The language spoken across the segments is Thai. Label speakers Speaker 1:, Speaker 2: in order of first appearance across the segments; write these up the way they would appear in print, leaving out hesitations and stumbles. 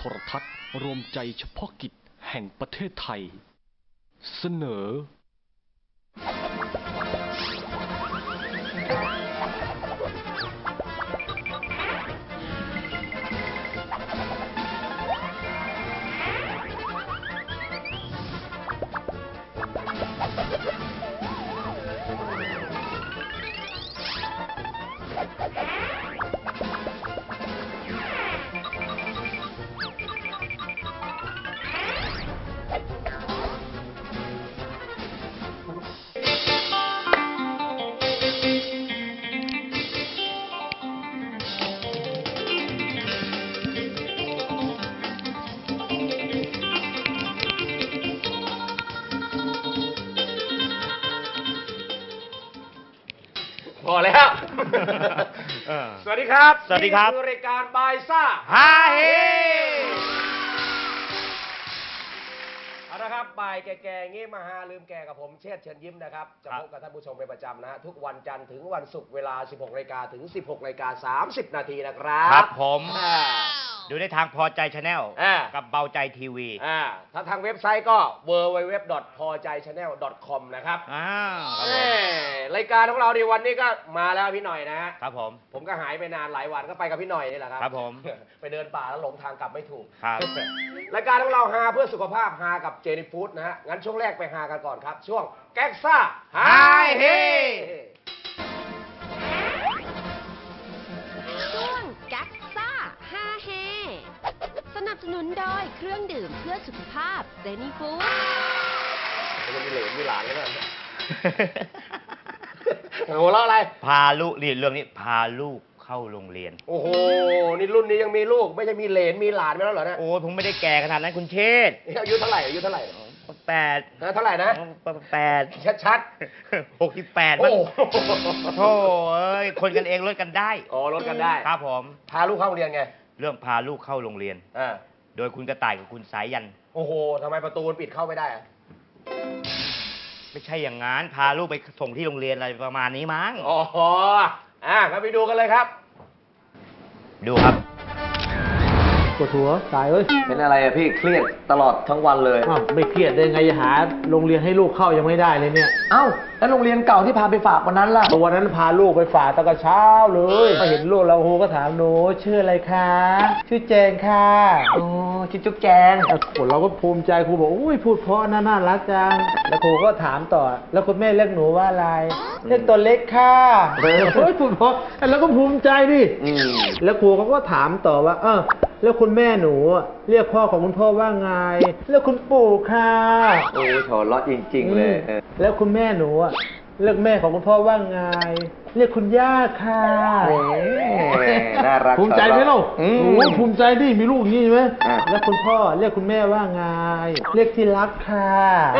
Speaker 1: ทรทัศน์รวมใจเฉพาะกิจแห่งประเทศไทยเสนอ
Speaker 2: พอแล้ว สวัสดีครับ
Speaker 3: สวัสดีครับ
Speaker 2: นี่คือรายการบายซ่า
Speaker 3: ฮาเฮ
Speaker 2: เอาละครับบ่ายแก่ๆงี้มาหาลืมแก่กับผมเชษฐ์เชิญยิ้มนะครับจะพบกับท่านผู้ชมเป็นประจำนะฮะทุกวันจันทร์ถึงวันศุกร์เวลา 16 นาฬิกาถึง 16 นาฬิกา 30 นาทีนะครับ
Speaker 3: ครับผม ดูได้ทางพอใจชาแนลกับเบาใจทีวี
Speaker 2: ถ้าทางเว็บไซต์ก็ www.pojaychannel.com นะครับรายการของเราในวันนี้ก็มาแล้วพี่หน่อยนะฮะ
Speaker 3: ครับผม
Speaker 2: ก็หายไปนานหลายวันก็ไปกับพี่หน่อยนี่แหละครับ
Speaker 3: ครับผม
Speaker 2: ไปเดินป่าแล้วหลงทางกลับไม่ถูก
Speaker 3: ครับ
Speaker 2: รายการของเราฮาเพื่อสุขภาพฮากับเจนี่ฟู้ดนะฮะงั้นช่วงแรกไปฮากันก่อนครับ ช่วงแก๊กซ่าฮาเฮ
Speaker 4: ช่วงแก๊กซ่าฮาเฮสนับสนุนโดยเครื่องดื่มเพื่อสุขภาพเซนิฟู้ด
Speaker 2: จะมีเหลนมีหลานแล้วนะหัวเราะอะไร
Speaker 3: พาลูกเรื่องนี้พาลูกเข้าโรงเรียน
Speaker 2: โอ้โหนี่รุ่นนี้ยังมีลูกไม่ใช่มีเหลนมีหลานไปแล้วเหรอเนี่ย
Speaker 3: โอ้ยผมไม่ได้แก่ขนาดนั้นคุณเชษฐ์
Speaker 2: อายุเท่าไหร่อายุเท่าไหร่
Speaker 3: 8
Speaker 2: เท่าไหร่นะ
Speaker 3: 8
Speaker 2: ชัด
Speaker 3: 68
Speaker 2: โอ้
Speaker 3: มันโธ่เอ้ยคนกันเองลดกันได้
Speaker 2: อ๋อลดกันได้
Speaker 3: ครับผม
Speaker 2: พาลูกเข้าโรงเรียนไง
Speaker 3: เรื่องพาลูกเข้าโรงเรียน โดยคุณกระต่ายกับคุณสายยัน
Speaker 2: โอ้โหทำไมประตูมันปิดเข้าไม่ได้อะ
Speaker 3: ไม่ใช่อย่างงั้นพาลูกไปส่งที่โรงเรียนอะไรประมาณนี้มั้ง
Speaker 2: อ๋องั้นไปดูกันเลยครับ
Speaker 3: ดูครับ
Speaker 5: ปวดหัวตายเอ้ย
Speaker 6: เป็นอะไรอะพี่เครียดตลอดทั้งวันเลย
Speaker 5: อ้าวไม่เครียดได้ไงจะหาโรงเรียนให้ลูกเข้ายังไม่ได้เลยเนี่ย
Speaker 6: เอ้าแล้วโรงเรียนเก่าที่พาไปฝากวันนั้นล่ะ
Speaker 5: วันนั้นพาลูกไปฝากตั้งแต่เช้าเลยมาเห็นลูกเราครูก็ถามหนูชื่ออะไรคะชื่อแจงค่ะ
Speaker 6: อ๋อชิจุ๊บแจง
Speaker 5: เราก็ภูมิใจครูบอกอุ้ยพูดเพราะน่ารักจังแล้วครูก็ถามต่อแล้วคุณแม่เรียกหนูว่าอะไรเรียกตัวเล็กค่ะเฮ้ยพูดเพราะแล้วก็ภูมิใจดิแล้วครูเขาก็ถามต่อว่าแล้วคุณแม่หนูเรียกพ่อของคุณพ่อว่าไงแล้วคุณปู่ค่ะ
Speaker 6: โอ้ยถอดล้อจริง ๆ เลย
Speaker 5: แล้วคุณแม่หนูเรียกแม่ของคุณพ่อว่าไงเรียกคุณย่าค่ะ
Speaker 6: น่ารัก
Speaker 5: ภูมิใจไหมลูก
Speaker 6: อืม
Speaker 5: โอ้ภูมิใจดิมีลูกอย่างนี้ใช่ไหมแล้วคุณพ่อเรียกคุณแม่ว่าไงเรียกที่รักค่ะ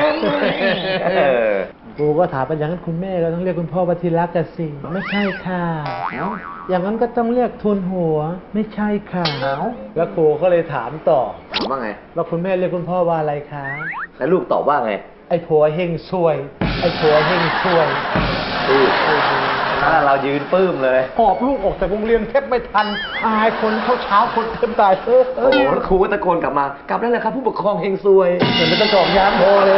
Speaker 5: ครูก็ถามไปอย่างนั้นคุณแม่ก็ต้องเรียกคุณพ่อว่าที่รักกันสิไม่ใช่ค่ะอย่างนั้นก็ต้องเรียกทุนหัวไม่ใช่ค่ะแล้วครูก็เลยถามต่อ
Speaker 6: ถามว่าไง
Speaker 5: ว่าคุณแม่เรียกคุณพ่อว่าอะไรคะ
Speaker 6: แล้วลูกตอบว่าไง
Speaker 5: ไอ้ผัวเฮงซวยไอ้ผัวเฮงซวย
Speaker 6: ถ้าเรายืนปื้มเลย
Speaker 5: หอบลูกออกจากโรงเรียนแทบไม่ทันอายคนเช้าคนเต็มตาย
Speaker 6: โอ้โหครูก็ตะโกนกลับมากลับได้เลยครับผู้ปกครองเฮงซวย
Speaker 5: เห็นมันจะจอกยานพอแล้ว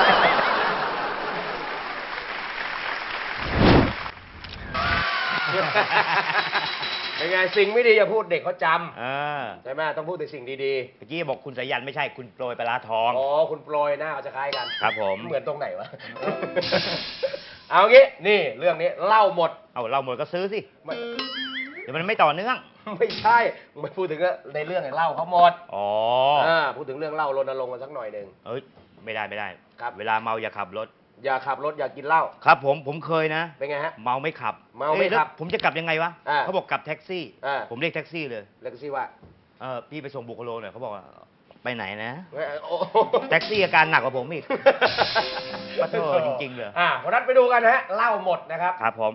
Speaker 2: เป็นไงสิ่งไม่ดีอย่าพูดเด็กเขาจ
Speaker 3: เออ
Speaker 2: ำใช่ไหมต้องพูดแต่สิ่งดี
Speaker 3: เมื่อกี้บอกคุณสายันไม่ใช่คุณโปรยปลาร้าทอง
Speaker 2: ๆอ๋อคุณโปรยหน้าเขาจะคล้ายกัน
Speaker 3: ครับผม
Speaker 2: เหมือนตรงไหนวะ เอางี้นี่เรื่องนี้เล่าหมด
Speaker 3: เอาเราหมดก็ซื้อสิ
Speaker 2: ไม่
Speaker 3: เดี๋ยวมันไม่ต่อเนื่อง
Speaker 2: ไม่ใช่ไม่พูดถึงในเรื่องเล่าเขาหมด
Speaker 3: อ๋อ
Speaker 2: พูดถึงเรื่องเล่ารณรงค์กันสักหน่อยหนึ่ง
Speaker 3: เอ้ยไม่ได้
Speaker 2: ครับ
Speaker 3: เวลาเมาอย่าขับรถ
Speaker 2: อย่าขับรถอย่ากินเหล้า
Speaker 3: ครับผมเคยนะ
Speaker 2: เป็นไงฮะ
Speaker 3: เมาไม่ขับ
Speaker 2: เมาไม่ขับ
Speaker 3: แล้วผมจะกลับยังไงวะ เขาบอกกลับแท็กซี่ ผมเรียกแท็กซี่เลย
Speaker 2: แล้วก็สิว่า
Speaker 3: พี่ไปส่งบุคโลหน่อยเขาบอกว่าไปไหนนะ
Speaker 2: โอ้
Speaker 3: แท็กซี่อาการหนักกว่าผมอีก ปะโถจริงๆเลย
Speaker 2: เพราะนั้นไปดูกันนะฮะเล่าหมดนะครับ
Speaker 3: ครับผม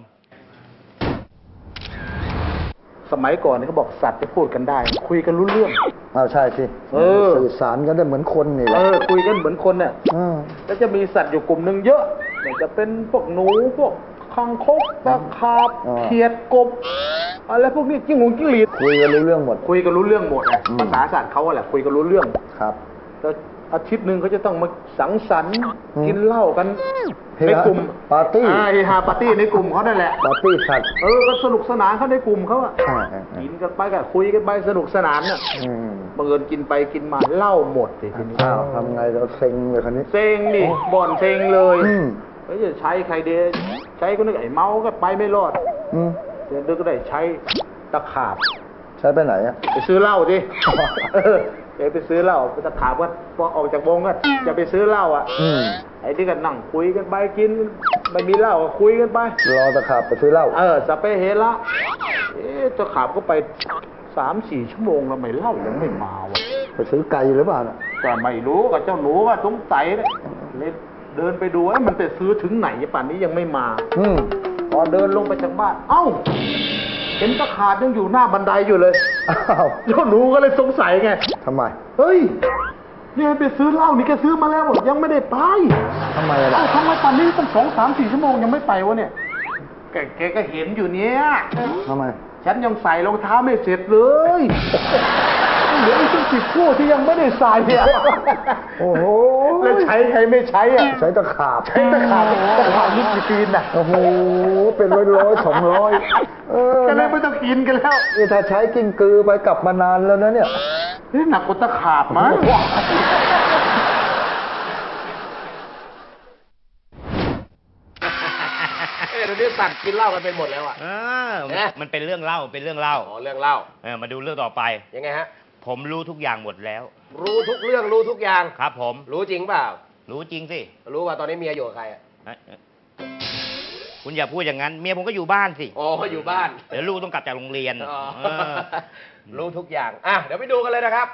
Speaker 5: สมัยก่อนนี่เขาบอกสัตว์จะพูดกันได้ คุยกันรู้เรื่อง
Speaker 7: ใช่สิสื่อสารกันได้เหมือนคนนี่แหละ
Speaker 5: คุยกันเหมือนคนเนี่ยแล้วจะมีสัตว์อยู่กลุ่มหนึ่งเยอะเนี่ยจะเป็นพวกหนูพวกคังคกปลาคาบเขียดกบอะไรพวกนี้จิ้งหงจิ้งหรีด
Speaker 7: คุยกันรู้เรื่องหมด
Speaker 5: คุยกันรู้เรื่องหมดไง
Speaker 7: อืม
Speaker 5: ภาษาศาสตร์เขาอะแหละคุยกันรู้เรื่อง
Speaker 7: ครับ
Speaker 5: แล้วอาทิตย์หนึ่งเขาจะต้องมาสังสรรค์
Speaker 7: อืม
Speaker 5: กินเหล้ากัน
Speaker 7: เฮฮา
Speaker 5: ในกลุ่ม
Speaker 7: ปาร์ตี้
Speaker 5: เฮฮาปาร์ตี้ในกลุ่มเขานั่นแหละ
Speaker 7: ปาร์ตี้สัตว์
Speaker 5: ก็สนุกสนานเขาในกลุ่มเขาอะ
Speaker 7: อ่า
Speaker 5: กินกันไปก็คุยกันไปสนุกสนานน่ะ
Speaker 7: อืม
Speaker 5: บังเอิญกินไปกินมาเหล้าหมดสิทีนี้
Speaker 7: อ้าวทำไงเราเซ็งเลยคันนี้
Speaker 5: เซ็งดิบ่อนเซ็งเลย
Speaker 7: อืม
Speaker 5: แล้วจะใช้ใครเดใช้คนนึงไอ้เมาก็ไปไม่รอด
Speaker 7: อืม
Speaker 5: เดี๋ยวก็ได้ใช้ตะขาบ
Speaker 7: ใช้ไปไหนอ่ะ
Speaker 5: ไปซื้อเหล้าดิ เดี๋ยวไปซื้อเหล้าไปตะขาบก็พอออกจากวงก็จะไปซื้อเหล้าอ่ะ
Speaker 7: อืม
Speaker 5: ไอ้ที่กันนั่งคุยกันไปกินไม่มีเหล้าก็คุยกันไป
Speaker 7: รอตะขาบไปซื้อเหล้า
Speaker 5: สเปเฮละตะขาบก็ไป3-4 ชั่วโมงแล้วไม่เหล้ายังไม่มาวะ
Speaker 7: ไปซื้อไก่หรือเปล่าน่ะ
Speaker 5: ก็ไม่รู้กับเจ้าหนูก็สงสัยเลยเดินไปดูมันไปซื้อถึงไหนป่านนี้ยังไม่มา
Speaker 7: อืม
Speaker 5: พอเดินลงไปจากบ้าน เอ้า เห็นตะขาบยังอยู่หน้าบันไดอยู่เลย
Speaker 7: อ้าว
Speaker 5: เจ้าหนูก็เลยสงสัยไง
Speaker 7: ทำไม
Speaker 5: เฮ้ยนี่ไปซื้อเหล้านี่แกซื้อมาแล้วบอกยังไม่ได้ไป
Speaker 7: ทำไมล่ะ
Speaker 5: เอ้าทำไมป่านนี้ตั้ง2-3-4 ชั่วโมงยังไม่ไปวะเนี่ย แกก็เห็นอยู่เนี้ย
Speaker 7: ทำไม
Speaker 5: ฉันยังใส่รองเท้าไม่เสร็จเลย เหลืออีกตั้ง10 คู่ที่ยังไม่ได้ใส่เนี่ย
Speaker 7: โอ้โห
Speaker 5: แล้วใช้ใครไม่ใช้อ่ะ
Speaker 7: ใช้ตะขาบ
Speaker 5: ใช้ตะขาบนิดจีนน่ะ
Speaker 7: โอ้โห เป็นร้อย200
Speaker 5: ก็เลยไม่ต้องกินกันแล้ว
Speaker 7: นี่ถ้าใช้กิ้งกือไปกลับมานานแล้วนะเนี่ย
Speaker 5: นี่หนักกว่าตะขาบมั้ง เดี๋ยวนี้สัตว์กินเหล้ากันเป็นหมดแล้วอ่ะ
Speaker 3: มันเป็นเรื่องเล่าเป็นเรื่องเล่า
Speaker 2: อ๋อเรื่องเล่า
Speaker 3: มาดูเรื่องต่อไป
Speaker 2: ยังไงฮะ
Speaker 3: ผมรู้ทุกอย่างหมดแล้ว
Speaker 2: รู้ทุกเรื่องรู้ทุกอย่าง
Speaker 3: ครับผม
Speaker 2: รู้จริงเปล่า
Speaker 3: รู้จริงสิ
Speaker 2: รู้ว่าตอนนี้เมียอยู่กับใครอะ
Speaker 3: เอ้ยคุณอย่าพูดอย่างนั้น เมียผมก็อยู่บ้านสิ
Speaker 2: อ๋ออยู่บ้าน
Speaker 3: เดี๋ยวลูกต้องกลับจากโรงเรียน
Speaker 2: อ๋อ
Speaker 3: เออ
Speaker 2: รู้ทุกอย่างอ่ะเดี๋ยวไปดูกันเลยนะครับ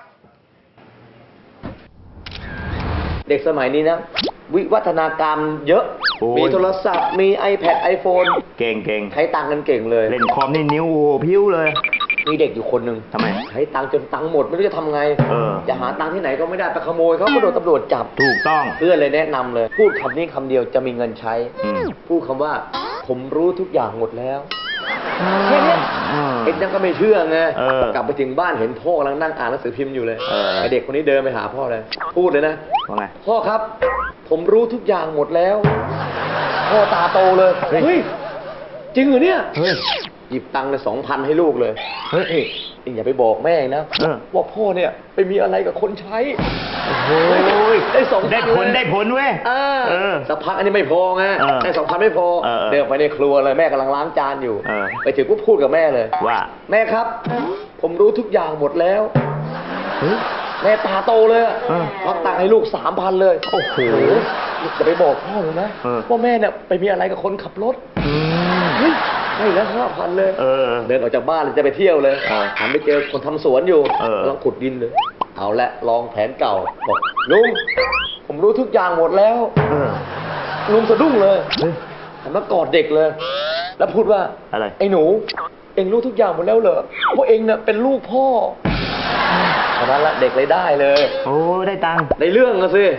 Speaker 6: เด็กสมัยนี้นะ วิวัฒนาการเยอะ
Speaker 3: โอ้ย
Speaker 6: มีโทรศัพท์ มี iPad iPhone
Speaker 3: เก่งเก่ง
Speaker 6: ใช้ตังค์กันเก่งเลย
Speaker 3: เล่นคอมนี่นิ้วโอ้โหพิ้วเลย
Speaker 6: มีเด็กอยู่คนหนึ่ง
Speaker 3: ทำไม
Speaker 6: ใช้ตังค์จนตังค์หมดไม่รู้จะทำไง
Speaker 3: เออ
Speaker 6: จะหาตังค์ที่ไหนก็ไม่ได้ไปขโมยเขาก็โดนตำรวจจับ
Speaker 3: ถูกต้อง
Speaker 6: เพื่อนเลยแนะนำเลย พูดคำนี้คำเดียวจะมีเงินใช้
Speaker 3: อืม
Speaker 6: พูดคำว่า ผมรู้ทุกอย่างหมดแล้วแค่เนี้ย
Speaker 3: อืม
Speaker 6: เอ็กยังก็ไม่เชื่อไง
Speaker 3: เออ
Speaker 6: กลับไปถึงบ้านเห็นพ่อกำลังนั่งอ่านหนังสือพิมพ์อยู่เลย
Speaker 3: เออ
Speaker 6: ไอเด็กคนนี้เดินไปหาพ่อเลย พูดเลยนะ
Speaker 3: ว่าไง
Speaker 6: พ่อครับ ผมรู้ทุกอย่างหมดแล้ว พ่อตาโตเลย
Speaker 3: เฮ้ย
Speaker 6: เฮ้ย จริงเหรอเนี่ย
Speaker 3: เฮ้ย
Speaker 6: หยิบตังค์เลย2,000ให้ลูกเลย
Speaker 3: เฮ้ย
Speaker 6: เองอย่าไปบอกแม่นะ
Speaker 3: เออ
Speaker 6: ว่าพ่อเนี่ยไปมีอะไรกับคนใช้
Speaker 3: โอ้ย
Speaker 6: ได้2,000
Speaker 3: ได้ผล
Speaker 6: เลย
Speaker 3: ได้ผลเว้ย เออ
Speaker 6: สักพักอันนี้ไม่พอไง
Speaker 3: เออ
Speaker 6: ได้2,000ไม่พอ
Speaker 3: เออ
Speaker 6: เดินไปในครัวเลยแม่กำลังล้างจานอยู่
Speaker 3: เออ
Speaker 6: ไปถึงปุ๊บพูดกับแม่เลย
Speaker 3: ว่า
Speaker 6: แม่ครับ ผมรู้ทุกอย่างหมดแล้ว
Speaker 3: เฮ้ย
Speaker 6: แม่ตาโตเลยอะ
Speaker 3: เออ
Speaker 6: ควักตังค์ให้ลูก3,000เลย
Speaker 3: โอ้โห
Speaker 6: อย่าไปบอกพ่อเลยนะ
Speaker 3: เออ
Speaker 6: ว่าแม่เนี่ยไปมีอะไรกับคนขับรถ
Speaker 3: อืม
Speaker 6: เฮ้ยให้แล้ว5,000เลย
Speaker 3: เออ
Speaker 6: เดินออกจากบ้านเลยจะไปเที่ยวเลย
Speaker 3: เออ
Speaker 6: หันไปเจอคนทำสวนอยู่
Speaker 3: เออ
Speaker 6: กำลังขุดดินเลย เอาละลองแผนเก่าบอกลุงผมรู้ทุกอย่างหมดแล้ว
Speaker 3: เออ
Speaker 6: ลุงสะดุ้งเลย
Speaker 3: เฮ้ย
Speaker 6: หันมากอดเด็กเลย แล้วพูดว่า
Speaker 3: อะไร
Speaker 6: ไอ้หนู เอ็งรู้ทุกอย่างหมดแล้วเหรอว่าเอ็งเนี่ยเป็นลูกพ่อตอนนั้นละเด็กเลยได้เลย
Speaker 3: โอ้ได้ตังค์
Speaker 6: ในเรื่องอะสิ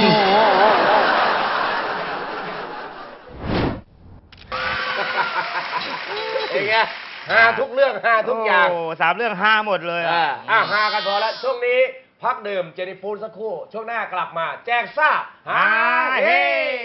Speaker 2: เองไงหาทุกเรื่องหาทุกอย่าง
Speaker 3: โอ้3 เรื่อง5หมดเลยอะ
Speaker 2: หากันพอแล้วช่วงนี้พักดื่มเจนิฟูดสักครู่ ช่วงหน้ากลับมา แจกซ่าฮาเฮ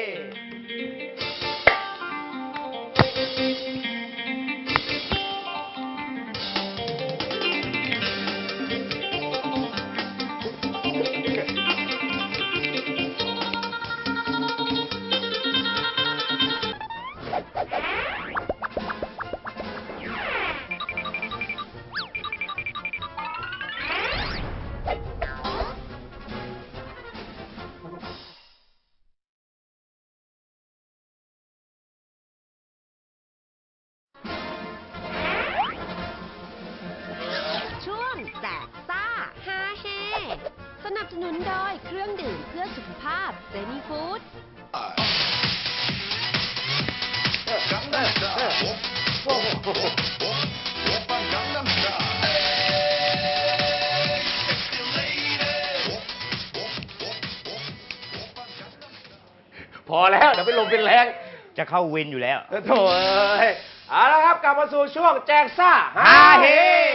Speaker 4: ช่วงแจกซ่าฮาเฮสนับสนุนโดยเครื่องดื่มเพื่อสุขภาพเซนีฟู้ด
Speaker 2: พอแล้ว เดี๋ยวไปลมเป็นแรง
Speaker 3: จะเข้าวินอยู่แล้ว
Speaker 2: โถ่เอ้ยเอาละครับกลับมาสู่ช่วงแจกซ่าฮาเฮ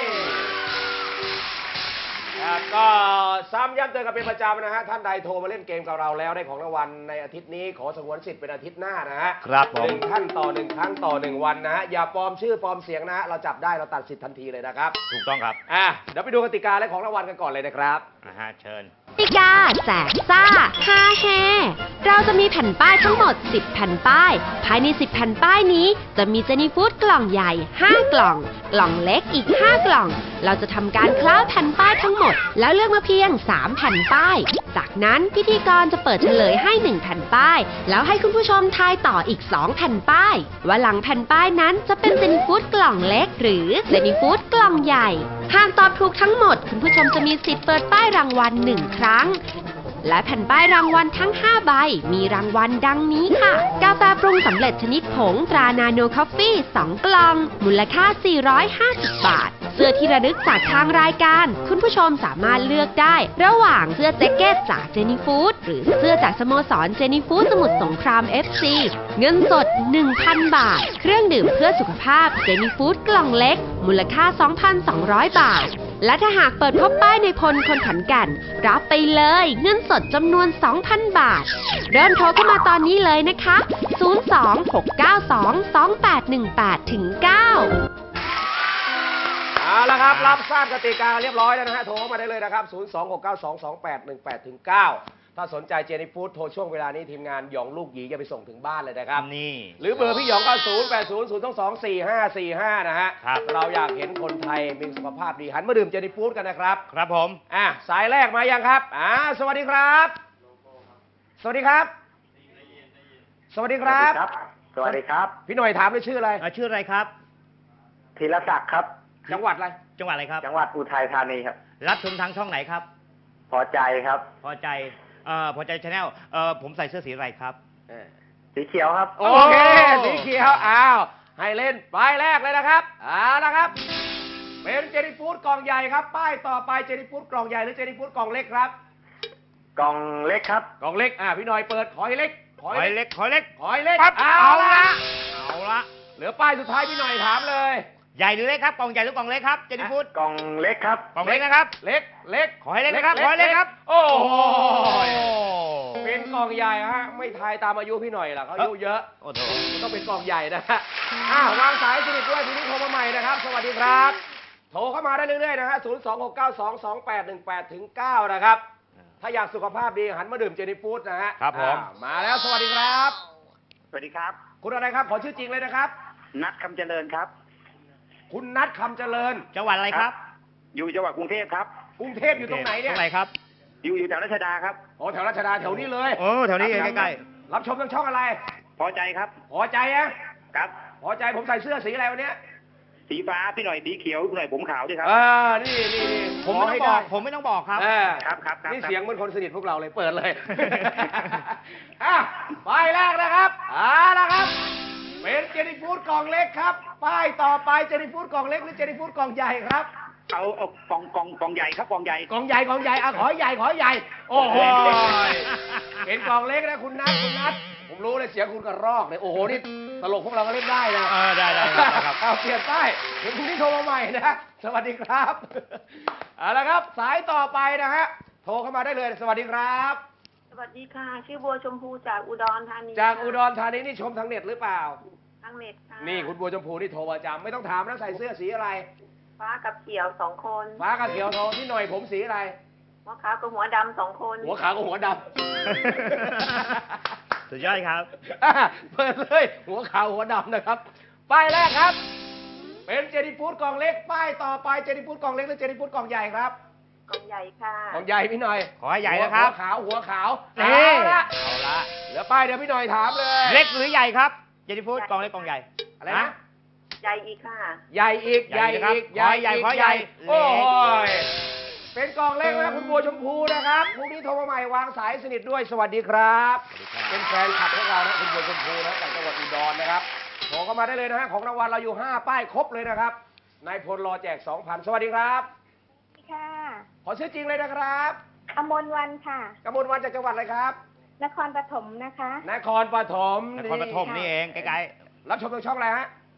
Speaker 2: ครับก็ซ้ำย้ำเตือนกันเป็นประจำนะฮะท่านใดโทรมาเล่นเกมกับเราแล้วได้ของรางวัลในอาทิตย์นี้ขอสงวนสิทธิ์เป็นอาทิตย์หน้านะฮะ
Speaker 3: ครับผม
Speaker 2: หนึ่งท่านต่อหนึ่งครั้งต่อ1 วันนะฮะอย่าปลอมชื่อปลอมเสียงนะฮะเราจับได้เราตัดสิทธิ์ทันทีเลยนะครับ
Speaker 3: ถูกต้องครับ
Speaker 2: เดี๋ยวไปดูกติกาและของรางวัลกันก่อนเลยนะครับ
Speaker 3: เชิญ
Speaker 4: กติกาแจกซ่าฮาแฮเราจะมีแผ่นป้ายทั้งหมด 10 แผ่นป้าย ภายใน 10 แผ่นป้ายนี้ จะมีเจนี่ฟู้ดกล่องใหญ่ 5 กล่อง กล่องเล็กอีก 5 กล่อง เราจะทำการคล้าแผ่นป้ายทั้งหมด แล้วเลือกมาเพียง 3 แผ่นป้าย จากนั้นพิธีกรจะเปิดเฉลยให้ 1 แผ่นป้าย แล้วให้คุณผู้ชมทายต่ออีก 2 แผ่นป้าย ว่าหลังแผ่นป้ายนั้นจะเป็นเจนี่ฟู้ดกล่องเล็ก หรือเจนี่ฟู้ดกล่องใหญ่ หากตอบถูกทั้งหมด คุณผู้ชมจะมีสิทธิ์เปิดป้ายรางวัล1 ครั้ง และแผ่นป้ายรางวัลทั้ง 5 ใบ มีรางวัลดังนี้ค่ะ กาแฟปรุงสำเร็จชนิดผงตรานาโนคอฟฟี่ 2 กล่อง มูลค่า 450 บาท เสื้อที่ระลึกจากทางรายการ คุณผู้ชมสามารถเลือกได้ ระหว่างเสื้อแจ็คเก็ตจากเจนี่ฟู้ดหรือเสื้อจากสโมสรเจนี่ฟู้ดสมุทรสงคราม FC เงินสด 1,000 บาท เครื่องดื่มเพื่อสุขภาพเจนี่ฟู้ดกล่องเล็ก มูลค่า 2,200 บาท และถ้าหากเปิดพบป้ายในพลคนขอนแก่นรับไปเลยเงินสดจำนวน 2,000 บาท เริ่มโทรเข้ามาตอนนี้เลยนะคะ 026922818 ถึง 9
Speaker 2: เอาละครับรับทราบกติกาเรียบร้อยแล้วนะฮะโทรเข้ามาได้เลยนะครับ 026922818ถึง 9 ถ้าสนใจเจนี่ฟู้ดโทรช่วงเวลานี้ทีมงานหยองลูกหยีจะไปส่งถึงบ้านเลยนะครับ
Speaker 3: นี่
Speaker 2: หรือเบอร์พี่หยองก็0800224545นะฮะ
Speaker 3: ครับ
Speaker 2: เราอยากเห็นคนไทยมีสุขภาพดีหันมาดื่มเจนี่ฟู้ดกันนะครับ
Speaker 3: ครับผม
Speaker 2: สายแรกมายังครับสวัสดีครับ สวัสดีครับ สวัสดีครับ
Speaker 8: สวัสดีครับ
Speaker 2: พี่หน่อยถามเลยชื่ออะไร
Speaker 3: ชื่ออะไรครับ
Speaker 8: ธีรศักดิ์ครับ
Speaker 2: จังหวัดอะไร
Speaker 3: จังหวัดอะไรครับ
Speaker 8: จังหวัดอุทัยธานีครับ
Speaker 3: รับชมทางช่องไหนครับ
Speaker 8: พอใจครับ
Speaker 3: พอใจพอใจชาแนลผมใส่เสื้อสีอะไรครับ
Speaker 8: สีเขียวครับ
Speaker 2: โอเคสีเขียวให้เล่นป้ายแรกเลยนะครับนะครับ เป็นเจนี่ฟู้ดกล่องใหญ่ครับ ป้ายต่อไปเจนี่ฟู้ดกล่องใหญ่หรือเจนี่ฟู้ดกล่องเล็กครับ
Speaker 8: กล่องเล็กครับ
Speaker 2: กล่องเล็กพี่หน่อยเปิดขอยเล็ก
Speaker 3: ขอยเล็ก ขอยเล็ก
Speaker 2: ขอยเล็ก
Speaker 3: ปั๊บ
Speaker 2: เอาละ
Speaker 3: เอาละ
Speaker 2: เหลือป้ายสุดท้ายพี่หน่อยถามเลย
Speaker 3: ใหญ่หรือเล็กครับ กล่องใหญ่หรือกล่องเล็กครับ เจนี่ฟู้ด
Speaker 8: กล่องเล็กครับ
Speaker 3: กล่องเล็กนะครับ
Speaker 2: เล็ก
Speaker 3: ขอให้เล็กนะครับ ขอให้เล็กครับ
Speaker 2: โอ้โหเป็นกล่องใหญ่ฮะไม่ทายตามอายุพี่หน่อยล่ะเขาอายุเยอะ
Speaker 3: โอ้โห
Speaker 2: มันต้องเป็นกล่องใหญ่นะฮะวางสายสนิทด้วยทีนี้โทรมาใหม่นะครับ สวัสดีครับ โทรเข้ามาได้เรื่อยๆนะฮะ026922818ถึง 9 นะครับ ถ้าอยากสุขภาพดีหันมาดื่มเจนี่ฟู้ดนะฮะ
Speaker 3: ครับผม
Speaker 2: มาแล้วสวัสดีครับ
Speaker 8: สวัสดีครับ
Speaker 2: คุณอะไรครับ ขอชื่อจริงเลยนะครับ
Speaker 8: นัดคำเจริญครับ
Speaker 2: คุณนัทคำเจริญ
Speaker 3: จังหวัดอะไรครับ
Speaker 8: อยู่จังหวัดกรุงเทพครับ
Speaker 2: กรุงเทพอยู่ตรงไหนเนี่ย
Speaker 3: ตรงไหนครับ
Speaker 8: อยู่แถวรัชดาครับ
Speaker 2: โอ้แถวรัชดาแถวนี้เลย
Speaker 3: โอ้แถวนี้ใกล้
Speaker 2: รับชมทางช่องอะไร
Speaker 8: พอใจครับ
Speaker 2: พอใจอะ
Speaker 8: ครับ
Speaker 2: พอใจผมใส่เสื้อสีอะไรวันเนี้ย
Speaker 8: สีฟ้าพี่หน่อยสีเขียวพี่หน่อยผมขาวด้วยครับ
Speaker 2: นี่
Speaker 3: ๆ ผมไม่ต้องบอก ผมไม่ต้องบอกครับ
Speaker 8: ครับ
Speaker 2: นี่เสียงเหมือนคนสนิทพวกเราเลยเปิดเลยป้ายแรกนะครับนะครับ เป็นเจนี่ฟู้ดกล่องเล็กครับ ป้ายต่อไปเจนี่ฟู้ดกล่องเล็กหรือเจนี่ฟู้ดกล่องใหญ่ครับ
Speaker 8: เอากล่องใหญ่ครับกล่องใหญ่
Speaker 2: กล่องใหญ่ขอใหญ่ โอ้โหเป็นกล่องเล็กนะคุณนัทผมรู้เลยเสียงคุณกระรอกเลยโอ้โหนี่ตลกพวกเราก็เล่นได้นะ
Speaker 3: ได้ครับ
Speaker 2: เอาเปลี่ยนป้ายเดี๋ยวพรุ่งนี้โทรมาใหม่นะสวัสดีครับเอาละครับสายต่อไปนะฮะโทรเข้ามาได้เลยสวัสดีครับ
Speaker 9: สวัสดีค่ะ ชื่อบัวชมพูจากอุดรธานี
Speaker 2: จากอุดรธานีนี่ชมทางเน็ตหรือเปล่า
Speaker 9: ทางเน็ตค่ะ
Speaker 2: นี่คุณบัวชมพูนี่โทรประจำไม่ต้องถามนะใส่เสื้อสีอะไร
Speaker 9: ฟ้ากับเขียว2 คน
Speaker 2: ฟ้ากับเขียวโทรที่หน่อยผมสีอะไร
Speaker 9: หัวขาวกับหัวดำ2 คน
Speaker 2: หัวขาวกับหัวดำ
Speaker 3: สุดยอดครับ
Speaker 2: เปิดเลยหัวขาวหัวดำนะครับป้ายแรกครับ เป็นเจนี่ฟู้ดกล่องเล็กป้ายต่อไปเจนี่ฟู้ดกล่องเล็กหรือเจนี่ฟู้ดกล่องใหญ่ครับ
Speaker 9: กล่องใหญ่ค่ะ
Speaker 2: กล่องใหญ่พี่หน่อย
Speaker 3: ขอให้ใหญ่นะครับ
Speaker 2: หัวขาว
Speaker 3: นี่
Speaker 2: เอาละเหลือป้ายเดี๋ยวพี่หน่อยถามเลย
Speaker 3: เล็กหรือใหญ่ครับ เจนี่ฟู้ดกล่องเล็กกล่องใหญ่
Speaker 2: อะไรนะ
Speaker 9: ใหญ่อีกค่ะ
Speaker 2: ใหญ่อีก
Speaker 3: ใหญ่นะครับขอให้ใหญ่ขอให้ใหญ่
Speaker 2: โอ้ยเป็นกล่องเล็กนะคุณบัวชมพูนะครับพรุ่งนี้โทรมาใหม่วางสายสนิทด้วยสวัสดีครับ เป็นแฟนคลับของเรานะคุณบัวชมพูนะจากจังหวัดอุดรนะครับโทรเข้ามาได้เลยนะฮะของรางวัลเราอยู่5ป้ายครบเลยนะครับนายพลรอแจก 2,000 สวัสดีครับ
Speaker 9: ค่ะ
Speaker 2: ขอชื่อจริงเลยนะครับ
Speaker 9: อมรวันค่ะ
Speaker 2: กมลวันจากจังหวัดอะไรครับ
Speaker 9: นครปฐมนะคะ
Speaker 2: นครปฐม
Speaker 3: นครปฐมนี่เองใกล้
Speaker 2: รับชมทางช่องอะไรฮะ
Speaker 9: พ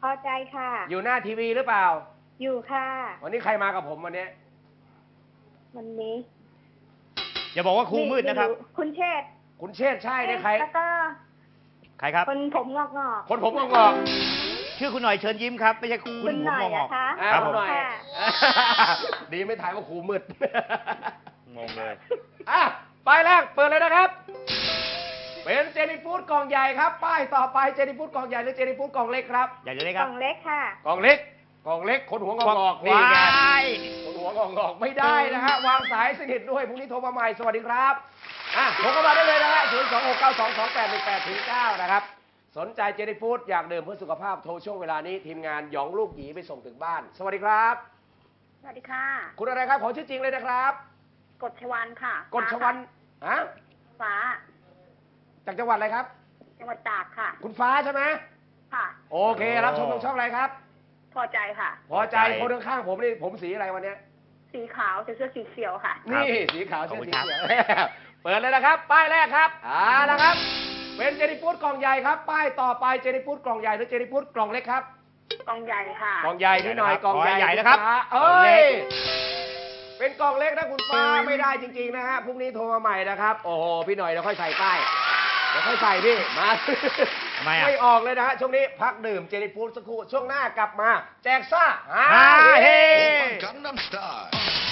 Speaker 9: พอใจค่ะ
Speaker 2: อยู่หน้าทีวีหรือเปล่า
Speaker 9: อยู่ค่ะ
Speaker 2: วันนี้ใครมากับผมวันนี้
Speaker 9: วันนี้
Speaker 3: อย่าบอกว่าครูมืดนะครับ
Speaker 9: คุณเชษฐ์
Speaker 2: คุณเชษฐ์ใช่เนี่ยใคร
Speaker 9: แล้วก็
Speaker 3: ใครครับ
Speaker 9: คนผมงอก
Speaker 2: คนผมงอก
Speaker 3: ชื่อคุณหน่อยเชิญยิ้มครับ ไม่ใช่
Speaker 9: ๆ
Speaker 3: คุณ
Speaker 9: คุณ
Speaker 3: ผม
Speaker 9: หน่อย
Speaker 3: งอก
Speaker 9: นะคะ
Speaker 2: ๆอ่า
Speaker 3: ครับ
Speaker 2: ผ
Speaker 3: ผม ม
Speaker 2: หน่อย
Speaker 9: ค่ะ
Speaker 2: ดีไม่ถ่ายว่าครูมืด
Speaker 3: งงเลย
Speaker 2: อ่ะป้ายแรกเปิดเลยนะครับ เป็นเจนี่ฟูดกล่องใหญ่ครับ ป้ายต่อไปเจนี่ฟูดกล่องใหญ่หรือเจนี่ฟูดกล่องเล็กครับ
Speaker 3: อยากจะได้
Speaker 9: ก
Speaker 3: ครั
Speaker 9: ล่
Speaker 3: บ
Speaker 9: องเล็กค่ะ
Speaker 2: กล่องเล็ก กล่องเล็ก คนหัวงอกๆนี่ไง
Speaker 3: ว้าย
Speaker 2: คนหัวงอกๆไม่ได้นะฮะ วางสายสนิทด้วย พรุ่งนี้โทรมาใหม่ สวัสดีครับ อ่ะโทรเข้ามาได้เลยนะฮะ 026922818-9 นะครับ สนใจเจนี่ฟูดอยากดื่มเพื่อสุขภาพโทรช่วงเวลานี้ ทีมงานหยองลูกหยีไปส่งถึงบ้าน สวัสดีครับ
Speaker 9: สวัสดีค่ะ
Speaker 2: คุณอะไรครับ ขอชื่อจริงเลยนะครับ
Speaker 9: กฎชวันค่ะ
Speaker 2: กฎชวันฮะ
Speaker 9: ฟ้า
Speaker 2: จากจังหวัดอะไรครับ
Speaker 9: จังหวัดตากค่ะ
Speaker 2: คุณฟ้าใช่ไหม
Speaker 9: ค่ะ
Speaker 2: โอเค รับชมทางช่องอะไรครับ
Speaker 9: พอใจค่ะ
Speaker 2: พอใจคนข้างๆผมนี่ผมสีอะไรวันเนี้ย
Speaker 9: สีขาวใส่เสื้อสีเขียวค่ะ
Speaker 2: นี่สีขาว
Speaker 3: ขอบ
Speaker 2: เสื้อ
Speaker 3: คุณ
Speaker 2: สี
Speaker 3: ครับ
Speaker 2: เขียว เปิดเลยนะครับ ป้ายแรกครับนะครับ เป็นเจนี่ฟูดกล่องใหญ่ครับ ป้ายต่อไปเจนี่ฟูดกล่องใหญ่หรือเจนี่ฟูดกล่องเล็กครับ
Speaker 9: กล่องใหญ่ค่ะ
Speaker 2: กล่องใหญ่พี่หน่อยกล่อง
Speaker 3: ขอให้
Speaker 2: ให
Speaker 3: ใหญ่
Speaker 2: ญ่
Speaker 3: นะครับ
Speaker 2: ณฟ้าก
Speaker 3: ล่อง
Speaker 2: เอ้
Speaker 3: เล็
Speaker 2: ย
Speaker 3: ก
Speaker 2: เป็นกล่องเล็กนะคุณฟ้าไม่ได้จริงๆนะฮะพรุ่งนี้โทรมาใหม่นะครับ โอ้โหพี่หน่อยเดี๋ยวค่อยใส่ป้ายเดี๋ยวค่อยใส่พี่มา
Speaker 3: ทำไมอ่ะ
Speaker 2: ไม่ออกเลยนะฮะช่วงนี้พักดื่มเจนี่ฟูดสักครู่ช่วงหน้ากลับมาแจกซ่า
Speaker 3: ฮาเฮ
Speaker 10: Gangnam Style.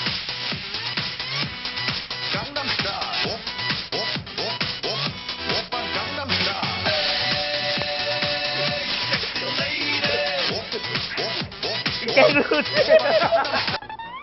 Speaker 10: Gangnam Style. Op, op, op, op, op aan Gangnam Style. Sexy lady. Op, op, op,
Speaker 3: เก่งรุด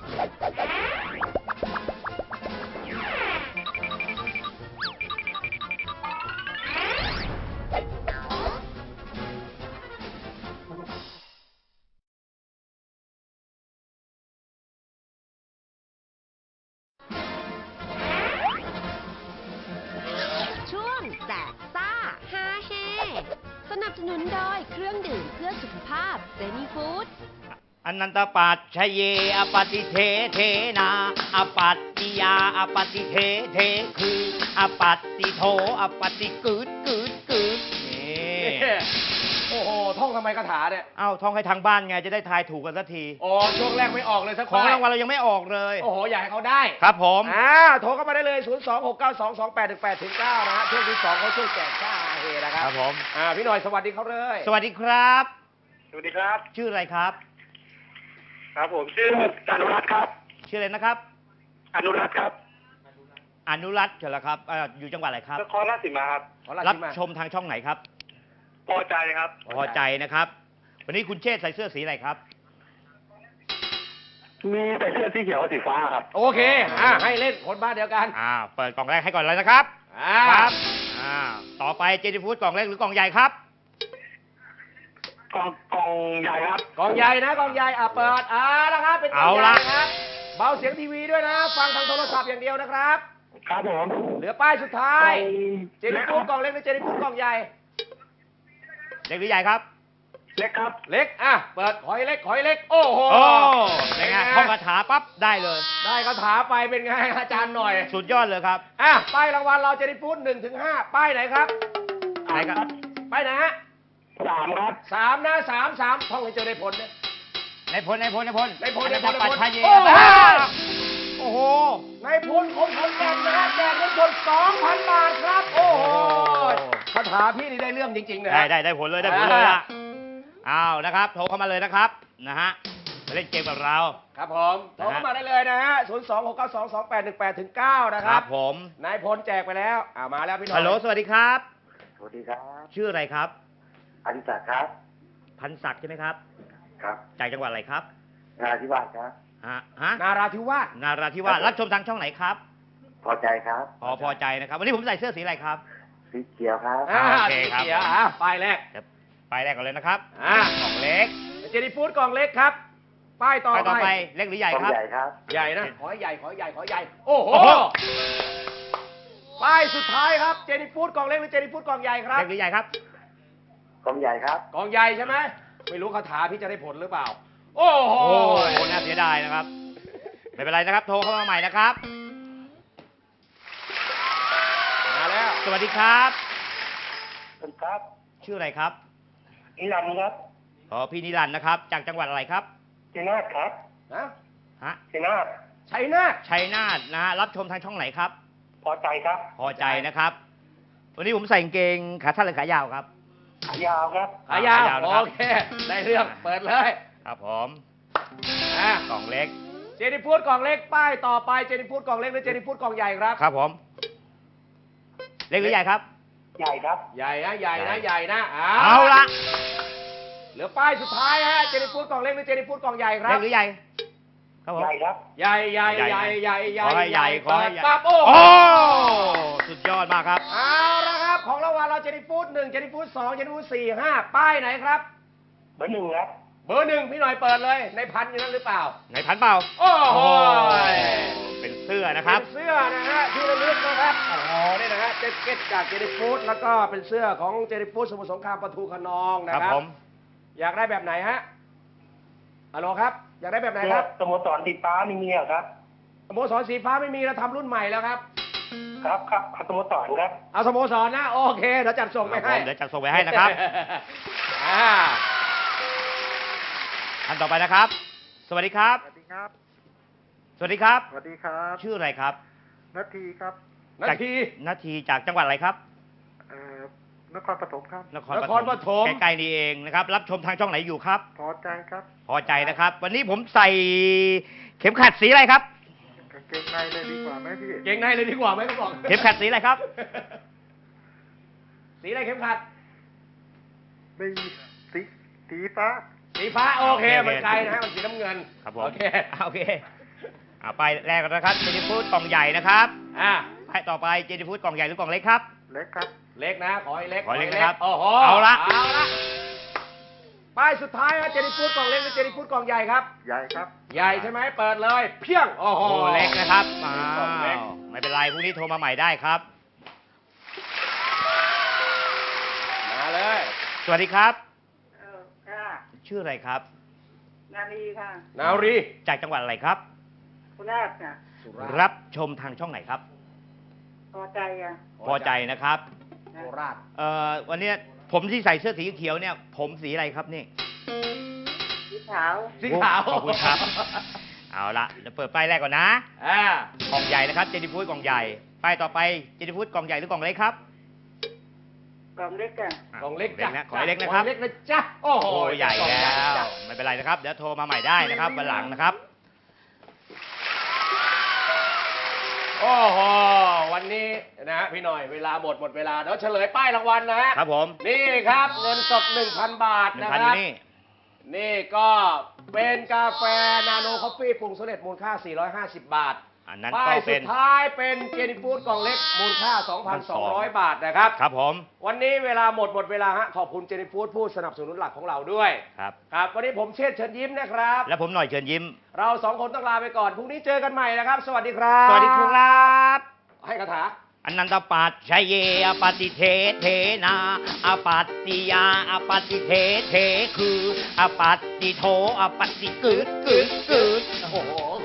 Speaker 4: ช่วงแจกซ่าฮาเฮสนับสนุนโดยเครื่องดื่มเพื่อสุขภาพเจนี่ฟู้ด
Speaker 3: อนันตปัจชเยอปฏิเทเทนาอปัตติยาอปฏิเทเทคืออปัตติโทอปฏิกึดกึดกึดนี่
Speaker 2: โอ้โหท่องทำไมคาถาเนี่ย
Speaker 3: เอ้าท่องให้ทางบ้านไงจะได้ทายถูกกันสักที
Speaker 2: โอ้ช่วงแรกไม่ออกเลยสัก
Speaker 3: ของ
Speaker 2: ป้ย
Speaker 3: รางวัลเรายังไม่ออกเลย
Speaker 2: โอ้โหอยากให้เขาได้
Speaker 3: ครับผม
Speaker 2: โทรเข้ามาได้เลย 026922818-9 นะฮะช่วงที่2เขาช่วยแจกซ่าฮาเฮนะค
Speaker 3: ค
Speaker 2: รั
Speaker 3: รั
Speaker 2: บบ
Speaker 3: ผม
Speaker 2: พี่หน่อยสวัสดีเขาเลย
Speaker 3: สวัสดีครับ
Speaker 8: สวัสดีครับ
Speaker 3: ชื่ออะไรครับ
Speaker 8: ครับผมชื่ออนุรัตน์ครับ
Speaker 3: ชื่ออะไรนะครับ
Speaker 8: อนุรัตน์ครับ
Speaker 3: อนุรัตน์เหรอครับอยู่จังหวัดอะไรครับ
Speaker 8: นครราชสีมาครับ
Speaker 2: ขอลา
Speaker 3: รับ
Speaker 2: ที่มา
Speaker 3: ชมทางช่องไหนครับ
Speaker 8: พอใจครับ
Speaker 3: พอใจนะครับ วันนี้คุณเชษฐ์ใส่เสื้อสีอะไรครับ
Speaker 8: มีใส่เสื้อสีเขียวกับสีฟ้าครับ
Speaker 2: โอเคให้เล่นคนบ้านเดียวกัน
Speaker 3: เปิดกล่องแรกให้ก่อนเลยนะครับ
Speaker 2: ครับ
Speaker 3: ต่อไปเจนี่ฟู้ดกล่องเล็กหรือกล่องใหญ่ครับ
Speaker 8: กองใหญ่ครับ
Speaker 2: กองใหญ่นะกองใหญ่เปิดนะครับเป็นกองใหญ่นะครับเบาเสียงทีวีด้วยนะ ฟังทางโทรศัพท์อย่างเดียวนะครับ
Speaker 8: ครับผม
Speaker 2: เหลือป้ายสุดท้าย เจนี่ฟูดก
Speaker 8: ก
Speaker 2: ล่องเล็กหรือเจนี่ฟูดกล่องใหญ่
Speaker 3: เล็กหรือใหญ่ครับ
Speaker 8: เล็กครับ
Speaker 2: เล็กเปิดขอยเล็กขอยเล็ก โอ้โห
Speaker 3: โอ้เป็นไงท่องคาถาปั๊บได้เลย
Speaker 2: ได้คาถาไปเป็นไงอาจารย์หน่อย
Speaker 3: สุดยอดเลยครับ
Speaker 2: ป้ายรางวัลเราเจนี่ฟูด1-5ป้ายไหนครับ
Speaker 3: ไหนครับ
Speaker 2: ป้ายไหนฮะ
Speaker 8: 3 ครับ
Speaker 2: 3นะ3ท่องให้เจอได้ผลนะ
Speaker 3: ในพล
Speaker 2: ในพล
Speaker 3: ปัจชัยเย โอ้โห
Speaker 2: ในพลของผมแจกนะฮะแจกเงินสด 2,000 บาทครับ โอ้โหคาถาพี่นี่ได้เรื่องจริงๆนะ
Speaker 3: ได้ผลเลยได้ผลเลยล่ะอ้าวนะครับ โทรเข้ามาเลยนะครับนะฮะมาเล่นเกมกับเรา
Speaker 2: ครับผมโทรเข้ามาได้เลยนะฮะ 026922818-9 นะค
Speaker 3: ค
Speaker 2: รั
Speaker 3: รั
Speaker 2: บบ
Speaker 3: ผม
Speaker 2: นายพลแจกไปแล้วมาแล้วพี่หน่อย
Speaker 3: ฮัลโหลสวัสดีครับ
Speaker 8: สวัสดีครับ
Speaker 3: ชื่ออะไรครับ
Speaker 8: อดิศักดิ์ครับ
Speaker 3: พันศักดิ์ใช่ไหมครับ
Speaker 8: ครับ
Speaker 3: จากจังหวัดอะไรครับ
Speaker 8: นาธิวาสครับ
Speaker 3: ฮะ
Speaker 2: นาราธิวาส
Speaker 3: นาราธิวาสรับชมทางช่องไหนครับ
Speaker 8: พอใจครับ
Speaker 3: พอใจนะครับ วันนี้ผมใส่เสื้อสีอะไรครับ
Speaker 8: สีเขียวครับ
Speaker 3: โอเคครับ
Speaker 2: สีขียวป้ายแรก
Speaker 3: ไปแรกก่อนเลยนะครับ กล่องเล็ก
Speaker 2: เจนี่ฟูดกล่องเล็กครับ ป้ายต่อ
Speaker 3: ไปต่อ
Speaker 2: ไป
Speaker 3: ไปเล็กหรือใหญ่
Speaker 8: กอง
Speaker 3: ครับ
Speaker 8: ใหญ่ครับ
Speaker 2: ใหญ่นะ ขอให้ใหญ่ ขอให้ใหญ่ ขอให้ใหญ่ โอ้โห
Speaker 3: โอ้โห
Speaker 2: ป้ายสุดท้ายครับ เจนี่ฟูดกล่องเล็กหรือเจนี่ฟูดกล่องใหญ่ครับ
Speaker 3: เล็กหรือใหญ่ครับ
Speaker 8: กองใหญ่ครับ
Speaker 2: กล่องใหญ่ใช่ไหม ไม่รู้คาถาพี่จะได้ผลหรือเปล่า โอ้โห
Speaker 3: โอ้น่าเสียดายนะครับ ไม่เป็นไรนะครับ โทรเข้ามาใหม่นะครับ
Speaker 2: มาแล้ว
Speaker 3: สวัสดีครับ
Speaker 8: สวัสดีครับ
Speaker 3: ชื่ออะไรครับ
Speaker 8: นิรันดร์ครับ
Speaker 2: น
Speaker 3: ขอพี่นิรันดร์นะครับ จากจังหวัดอะไรครับ
Speaker 8: ชัยนาทครับ
Speaker 2: นะ
Speaker 3: ฮะ
Speaker 8: ชัยนาท
Speaker 2: ชัยนาท
Speaker 3: ชัยนาทนะฮะรับชมทางช่องไหนครับ
Speaker 8: พอใจครับ
Speaker 3: พอใจนะครับ วันนี้ผมใส่กางเกงขาสั้นหรือขายาวครับ
Speaker 8: ขายาวครับ
Speaker 2: ขายาว
Speaker 3: ขายาวนะครับ
Speaker 2: โอเค ได้เรื่อง เปิดเลย
Speaker 3: ครับผม
Speaker 2: อ่ะ
Speaker 3: กล่องเล็ก
Speaker 2: เจนิฟูดกล่องเล็ก ป้ายต่อไป เจนิฟูดกล่องเล็กหรือเจนิฟูดกล่องใหญ่ครับ
Speaker 3: ครับผม เล็กหรือใหญ่ครับ
Speaker 8: ใหญ่ครับ
Speaker 2: ใหญ่นะใหญ่นะใหญ่นะ
Speaker 3: เอาละ
Speaker 2: เหลือป้ายสุดท้ายฮะ เจนิฟูดกล่องเล็กหรือเจนิฟูดกล่องใหญ่ครั
Speaker 3: เล็
Speaker 2: บ
Speaker 3: กหรือใหญ่ ครับผม
Speaker 8: ใหญ่ครับ
Speaker 2: ใหญ่ใหญ่ใหญ่ใหญ่ใหญ่
Speaker 3: ขอให้ใหญ่ขอให้ใหญ่
Speaker 2: ปั๊บโอ้
Speaker 3: โอ้ สุดยอดมากครับ
Speaker 2: เอาละครับ ของรางวัลเราเจนิฟูด1เจนิฟูด2เจนิฟูด4 5ป้ายไหนครับ
Speaker 8: เบอร์หนึ่งครับ
Speaker 2: เบอร์หนึ่งพี่หน่อยเปิดเลย ในพันอยู่นั้นหรือเปล่า
Speaker 3: ไหนพันเปล่า
Speaker 2: โอ้โห
Speaker 3: เป็นเสื้อนะครับ
Speaker 2: เป็นเสื้อนะฮะที่ระลึกนะครับโอ้โหนี่นะฮะแจ็คเก็ตจากเจนิฟูดแล้วก็เป็นเสื้อของเจนิฟูดสมุทรสงครามปทุมขนองนะ
Speaker 3: ค
Speaker 2: ค
Speaker 3: รั
Speaker 2: รั
Speaker 3: บบ ผม
Speaker 2: อยากได้แบบไหนฮะฮัลโหลครับ อยากได้แบบไหน
Speaker 8: เสื้
Speaker 2: ค
Speaker 8: อ
Speaker 2: รับ
Speaker 8: สโมสรสีฟ้ามีเมียครับ
Speaker 2: สโมสรสีฟ้าไม่มีเราทำรุ่นใหม่แล้วครับ
Speaker 8: ครับครับเอาสโมสรครับ
Speaker 2: เอาสโมสรนะโอเคเดี๋ยวจัดส่งไป
Speaker 3: ครับ
Speaker 2: ให้
Speaker 3: ผมเดี๋ยวจัดส่งไปให้นะครับ
Speaker 2: อ่า
Speaker 3: ท่านต่อไปนะครับ สวัสดีครับ
Speaker 11: สวัสดีครับ
Speaker 3: สวัสดีครับ
Speaker 11: สวัสดีครับ
Speaker 3: ชื่ออะไรครับ
Speaker 11: นาทีครับ
Speaker 2: นาที
Speaker 3: นาทีจากจังหวัดอะไรครับ
Speaker 11: นครปฐมครับ
Speaker 3: นคร
Speaker 2: นครปฐม
Speaker 3: ใกล้ๆนี่เองนะครับ รับชมทางช่องไหนอยู่ครับ
Speaker 11: พอใจครับ
Speaker 3: พอใจนะครับ วันนี้ผมใส่เข็มขัดสีอะไรครับ
Speaker 11: กางเกงในเลยดีกว่าไหมพี่
Speaker 2: เก่งในเลยดีกว่าไหมเขาบอก
Speaker 3: เข็มขัดสีอะไรครับ
Speaker 2: สีอะไรเข็มขัด
Speaker 11: ไม่สีสีฟ้า
Speaker 2: สีฟ้าโอเค
Speaker 3: โอเค
Speaker 2: มันไกลนะฮะมันสีน้ำเงิน
Speaker 3: ครับผม
Speaker 2: โอเค
Speaker 3: โอเคไปแรกกันนะครับเจนิฟูดกล่องใหญ่นะครับ
Speaker 2: อ่า
Speaker 3: ไปต่อไปเจนิฟูดกล่องใหญ่หรือกล่องเล็กครับ
Speaker 11: เล็กครับ
Speaker 2: เล็กนะขอให้เล็ก
Speaker 3: ขอให้เล็กนะครับ
Speaker 2: โอ้โห
Speaker 3: เอาละ
Speaker 2: เอาละป้ายสุดท้ายฮะเจนิฟูดกล่องเล็กหรือเจนิฟูดกล่องใหญ่ครับ
Speaker 11: ใหญ่ครับ
Speaker 2: ใหญ่ใช่ไหมเปิดเลย เพียงโอ้โห
Speaker 3: โอ้เล็กนะครับอ้าก
Speaker 2: ล่องเล็ก
Speaker 3: วไม่เป็นไรพรุ่งนี้โทรมาใหม่ได้ครับ
Speaker 2: มาเลย
Speaker 3: สวัสดีครับ
Speaker 9: ค่ะ
Speaker 3: ชื่ออะไรครับ
Speaker 9: นาลีค่ะ
Speaker 2: นารี
Speaker 3: จากจังหวัดอะไรครับ
Speaker 9: คุณราชค่ะ
Speaker 2: สุราษฎร์
Speaker 3: รับชมทางช่องไหนครับ
Speaker 9: พอใจอ่ะ
Speaker 3: พอใจนะครับ
Speaker 2: โคราช
Speaker 3: วันเนี้ยผมที่ใส่เสื้อสีเขียวเนี่ย ผมสีอะไรครับนี่
Speaker 9: สีขาว
Speaker 2: สีขาว
Speaker 3: ขอบคุณครับ เอาละเดี๋ยวเปิดป้ายแรกก่อนนะ
Speaker 2: อ่าก
Speaker 3: ล่องใหญ่นะครับ เจนิฟูดกล่องใหญ่ ป้ายต่อไปเจนิฟูดกล่องใหญ่หรือกล่องเล็กครับ
Speaker 9: กล่องเล็กอ่ะ
Speaker 2: กล่องเล็กจ้ะ
Speaker 3: นะขอให้เล็กนะครับ
Speaker 2: ขอให้เล็กนะจ๊ะโอ้โห
Speaker 3: โอ้ใหญ่
Speaker 2: กล่อง
Speaker 3: แล้ว
Speaker 2: จ้ะ
Speaker 3: ไม่เป็นไรนะครับ เดี๋ยวโทรมาใหม่ได้นะครับวันหลังนะครับ
Speaker 2: โอ้โหวันนี้นะฮะพี่หน่อยเวลาหมดเวลาเดี๋ยวเฉลยป้ายรางวัลนะฮะ
Speaker 3: ครับผม
Speaker 2: นี่ครับเงินสด 1,000 บาท
Speaker 3: หนึ่ง
Speaker 2: นะ
Speaker 3: พัน
Speaker 2: ค
Speaker 3: อ
Speaker 2: รับ
Speaker 3: ยู่นี่
Speaker 2: นี่ก็เป็นกาแฟนาโนคอฟฟี่ปรุงสำเร็จมูลค่า 450 บาท
Speaker 3: อันนั้น
Speaker 2: ป้า
Speaker 3: ก็
Speaker 2: ยสุ
Speaker 3: เป็
Speaker 2: ด
Speaker 3: น
Speaker 2: ท้ายเป็นเจนิฟูดกล่องเล็กมูลค่า 2,200 บาทนะครับ
Speaker 3: ครับผม
Speaker 2: วันนี้เวลาหมดเวลาฮะขอบคุณเจนิฟูดผู้สนับสนุนหลักของเราด้วย
Speaker 3: ครับ
Speaker 2: ครับวันนี้ผมเชษฐ์เชิญยิ้มนะครับ
Speaker 3: และผมหน่อยเชิญยิ้ม
Speaker 2: เราสองคนต้องลาไปก่อนพรุ่งนี้เจอกันใหม่นะครับ สวัสดีครับ
Speaker 3: สวัสดีครับ
Speaker 2: ให้คาถา
Speaker 3: อนันตปัจชยเยอปฏิเทเทนาอปัตติยาอปฏิเทเทคืออปัตติโทอปฏิกึดกึดกึด
Speaker 2: โอ้โห